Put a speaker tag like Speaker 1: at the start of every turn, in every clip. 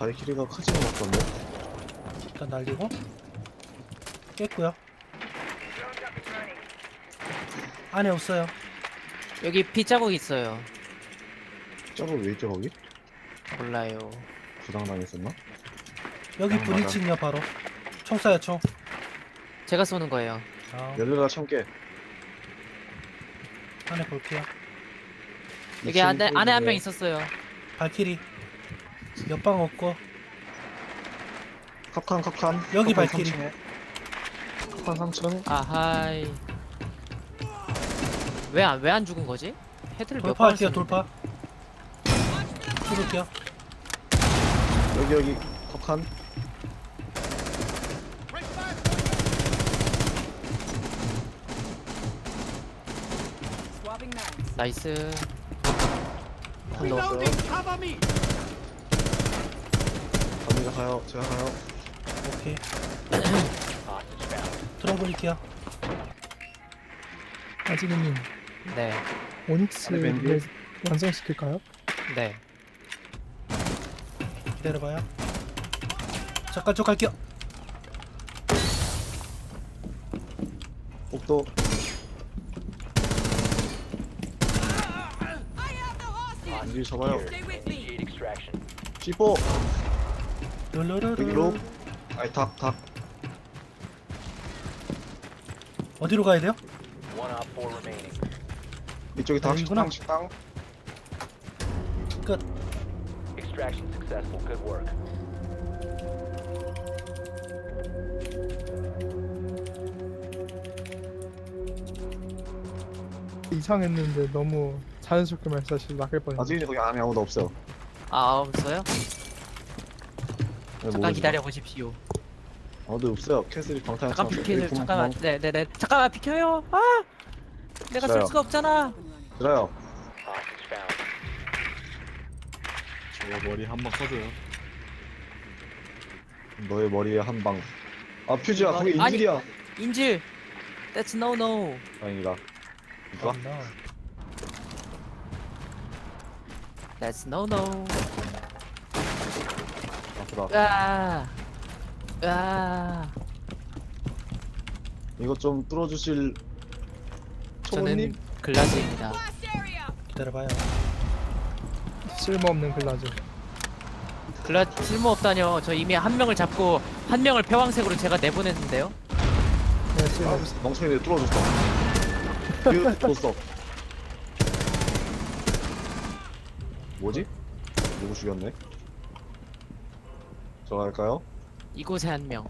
Speaker 1: 발키리가 카지노 맞던데?
Speaker 2: 일단 날리고 깼고요. 안에 없어요.
Speaker 3: 여기 피 자국 있어요.
Speaker 1: 저거 왜 있죠 거기?
Speaker 3: 몰라요.
Speaker 1: 부당당했었나?
Speaker 2: 여기
Speaker 1: 맞아.
Speaker 2: 브리칭이요 바로. 총 쏴요 총.
Speaker 3: 제가 쏘는 거예요.
Speaker 2: 아,
Speaker 1: 열려라 참깨.
Speaker 2: 안에 볼게요.
Speaker 3: 여기 안에 한 명 있었어요.
Speaker 2: 발키리. 옆방 없고
Speaker 1: 컵칸
Speaker 2: 여기
Speaker 1: 컵칸
Speaker 2: 발키리.
Speaker 1: 3층에. 컵칸 3층.
Speaker 3: 아하이. 왜 안 죽은 거지? 헤드를 몇 번
Speaker 2: 돌파할게요
Speaker 3: 쐈는데.
Speaker 2: 돌파. 뚫을게요.
Speaker 1: 여기 컵칸.
Speaker 3: 나이스.
Speaker 1: 한 넣었어요. 갑니다 가요. 제가 가요.
Speaker 2: 오케이. 들어버릴게요.
Speaker 4: 아지르님
Speaker 3: 네.
Speaker 4: 오닉스를 완성시킬까요?
Speaker 3: 네.
Speaker 2: 기다려봐요. 잠깐 쭉 갈게요.
Speaker 1: 복도. 안길 잡아요. C4 여기 로. 아니 닭.
Speaker 2: 어디로 가야 돼요?
Speaker 1: 이쪽이 닭
Speaker 2: 여기구나.
Speaker 1: 식당.
Speaker 2: 끝.
Speaker 5: Extraction successful. Good work.
Speaker 4: 이상했는데 너무 자연스럽게 말씀하시고 막을 뻔했네.
Speaker 1: 아직은 거기 안에 아무도 없어요.
Speaker 3: 아 없어요?
Speaker 1: 네,
Speaker 3: 잠깐
Speaker 1: 모르겠어요.
Speaker 3: 기다려 보십시오.
Speaker 1: 아무도 없어요. 캐슬이 방탄.
Speaker 3: 잠깐 비켜요. 잠깐만. 네네네. 잠깐만 비켜요. 아! 내가
Speaker 1: 있어요.
Speaker 3: 쏠 수가 없잖아.
Speaker 1: 들어요.
Speaker 5: Hostage found.
Speaker 6: 저거 머리 한 방 써줘요.
Speaker 1: 너의 머리에 한 방. 아 퓨즈야 거기
Speaker 3: 아니.
Speaker 1: 인질이야.
Speaker 3: 인질. That's no no.
Speaker 1: 다행이다. 이거?
Speaker 3: That's no no.
Speaker 1: 아프다.
Speaker 3: 아.
Speaker 1: 이거 좀 뚫어주실 초보님?
Speaker 3: 저는 글라즈입니다.
Speaker 2: 기다려봐요.
Speaker 4: 쓸모없는 글라즈.
Speaker 3: 글라즈 쓸모없다뇨. 저 이미 한 명을 잡고 한 명을 패왕색으로 제가 내보냈는데요.
Speaker 4: 네,
Speaker 1: 아,
Speaker 4: 쓸모없어.
Speaker 1: 멍청이들 뚫어줬어. 이거 뚫었어. 뭐지? 누구 죽였네? 저 갈까요?
Speaker 3: 이곳에 한 명.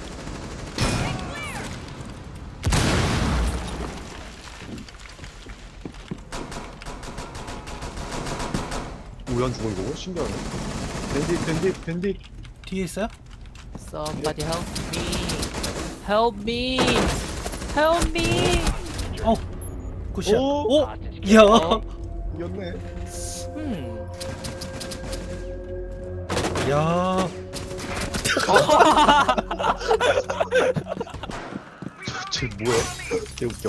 Speaker 1: 우연 죽어 이거? 신기하네. 밴딧.
Speaker 2: 뒤에 있어요?
Speaker 3: Somebody help me. Help me. Help me.
Speaker 2: 어. 굿샷.
Speaker 1: 오!
Speaker 2: 오.
Speaker 5: Hostage
Speaker 2: 야.
Speaker 3: 어?
Speaker 1: 이겼네.
Speaker 2: 야.
Speaker 1: 쟤 뭐야? 개 웃겨.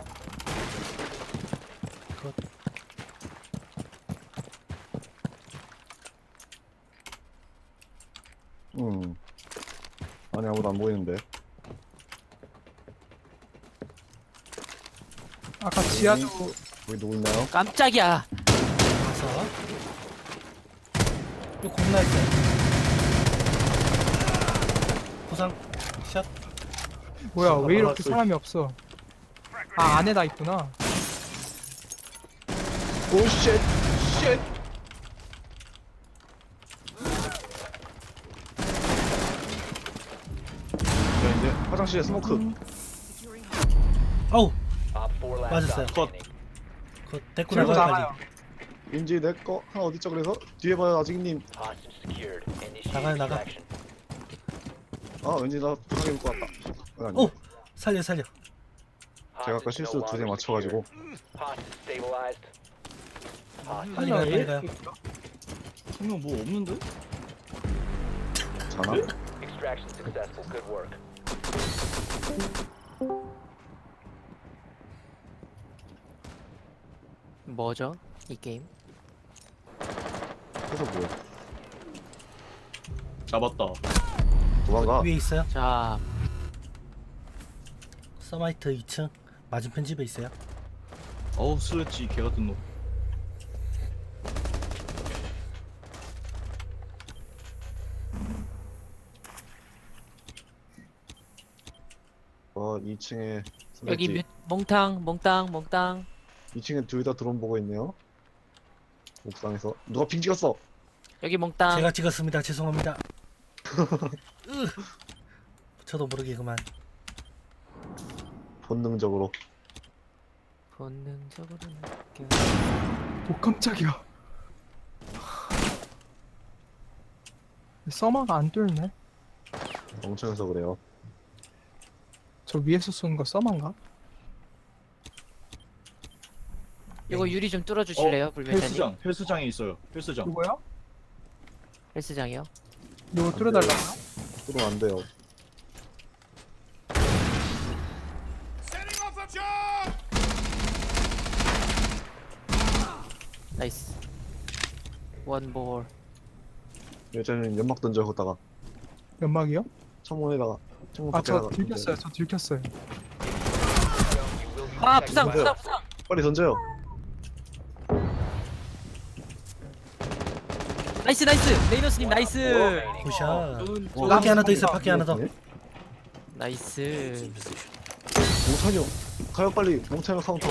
Speaker 2: 굿.
Speaker 1: 아니 아무도 안 보이는데.
Speaker 4: 아까 지하도
Speaker 1: 여기 누구 있나요?
Speaker 3: 깜짝이야.
Speaker 2: 가서. 이거 겁나 있어요. 구상. 샷.
Speaker 4: 뭐야 왜 이렇게
Speaker 1: 알았어.
Speaker 4: 사람이 없어? 아 안에다 있구나.
Speaker 1: 오 쉣. 쉣. 자 이제 화장실에 스모크.
Speaker 2: 아우.
Speaker 5: Op 4 last
Speaker 2: 맞았어요.
Speaker 5: stop standing.
Speaker 2: 그 데리고
Speaker 4: 들고
Speaker 2: 나가요
Speaker 4: 나가요.
Speaker 2: 빨리.
Speaker 1: 인지 내거 하나 어딨죠 그래서? 뒤에 봐요 아직님.
Speaker 5: Hostage secured. Initiate
Speaker 2: 나가요, 나가.
Speaker 5: extraction.
Speaker 1: 아 왠지 나 부상해 볼것 같다. 아니,
Speaker 2: 오. 살려.
Speaker 1: 제가 아까
Speaker 5: Hostage
Speaker 1: 실수
Speaker 5: no
Speaker 1: 두 대
Speaker 5: longer
Speaker 1: 맞춰가지고.
Speaker 5: secured. Hostage stabilized. Hostage
Speaker 2: 빨리 가요 빨리 가요.
Speaker 6: 분명 뭐 없는데?
Speaker 1: 자나?
Speaker 5: extraction successful. Good work.
Speaker 3: 뭐죠? 이 게임?
Speaker 1: 그래서 뭐야?
Speaker 6: 잡았다.
Speaker 1: 도망가.
Speaker 2: 위에 있어요.
Speaker 3: 자,
Speaker 2: 서마이트 2층 맞은편 집에 있어요.
Speaker 6: 어우 슬래치 개 같은 놈.
Speaker 1: 어 2층에
Speaker 3: 여기 몽땅.
Speaker 1: 2층에 둘 다 드론 보고 있네요. 옥상에서 누가 핑 찍었어?
Speaker 3: 여기 몽땅.
Speaker 2: 제가 찍었습니다. 죄송합니다. 으. 저도 모르게 그만.
Speaker 1: 본능적으로.
Speaker 3: 본능적으로 느껴.
Speaker 4: 오 깜짝이야. 서마가 안 뚫네.
Speaker 1: 멍청해서 그래요.
Speaker 4: 저 위에서 쏘는 거 서마인가?
Speaker 3: 이거 유리 좀 뚫어주실래요, 불멸자님?
Speaker 6: 헬스장 헬스장에 있어요. 헬스장.
Speaker 4: 이거요?
Speaker 3: 헬스장이요?
Speaker 4: 이거 뚫어달라고요?
Speaker 1: 그럼 안 돼요.
Speaker 3: 나이스. 원볼.
Speaker 1: 여자는 연막 던져 거다가
Speaker 4: 연막이요?
Speaker 1: 창문에다가 창문
Speaker 4: 아
Speaker 1: 밖에다가
Speaker 4: 저 들켰어요. 저 들켰어요.
Speaker 3: 아, 부상.
Speaker 1: 빨리 던져요.
Speaker 3: 나이스. 레이너스님 나이스.
Speaker 2: 굿샷.
Speaker 6: 어,
Speaker 2: 밖에 하나 더 있어. 밖에 하나 더.
Speaker 3: 나이스.
Speaker 1: 몽찬이요. 가요 빨리. 몽찬이 카운터.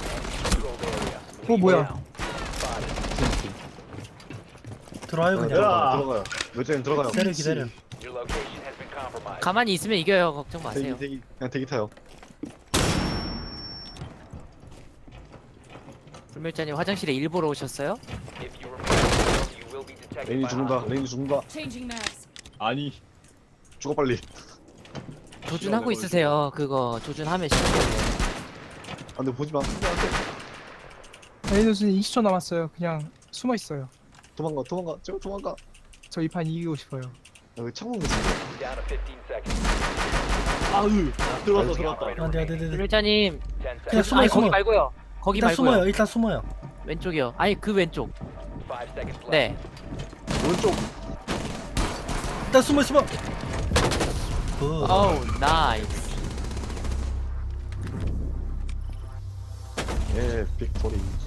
Speaker 4: 뭐야?
Speaker 2: 들어와요 그냥.
Speaker 1: 들어가요. 여자는 들어가요.
Speaker 2: 기다려 기다려.
Speaker 5: Your location has been compromised.
Speaker 3: 가만히 있으면 이겨요. 걱정 마세요.
Speaker 1: 대기 그냥 대기 타요.
Speaker 3: 불멸자님 화장실에 일보러 오셨어요?
Speaker 5: If you remain silent, you will be detected
Speaker 1: 레인이
Speaker 5: by
Speaker 1: 죽는다.
Speaker 5: hostiles.
Speaker 1: 레인이 죽는다.
Speaker 7: Changing mags.
Speaker 6: 아니
Speaker 1: 죽어 빨리.
Speaker 3: 조준하고 있으세요. 그거 조준하면 시작해요.
Speaker 1: 안돼 보지 마. 안돼 안돼.
Speaker 4: 레이더스는 20초 남았어요. 그냥 숨어 있어요.
Speaker 1: 도망가. 제발 도망가.
Speaker 4: 저 이 판 이기고 싶어요.
Speaker 1: 여기 창문 있어.
Speaker 5: Down to 15 seconds.
Speaker 6: 아으 들어왔다.
Speaker 2: 안돼.
Speaker 3: 불멸자님
Speaker 5: 10
Speaker 2: 그냥
Speaker 5: seconds.
Speaker 2: 숨어요,
Speaker 3: 아니,
Speaker 2: 숨어.
Speaker 3: 거기 말고요. 거기
Speaker 2: 일단
Speaker 3: 말고요.
Speaker 2: 숨어요. 일단 숨어요.
Speaker 3: 왼쪽이요. 아니 그 왼쪽.
Speaker 5: 5 seconds left.
Speaker 3: 네.
Speaker 1: 오른쪽.
Speaker 2: 일단 숨어. 굿.
Speaker 3: 어우 나이스.
Speaker 1: 예 빅토리.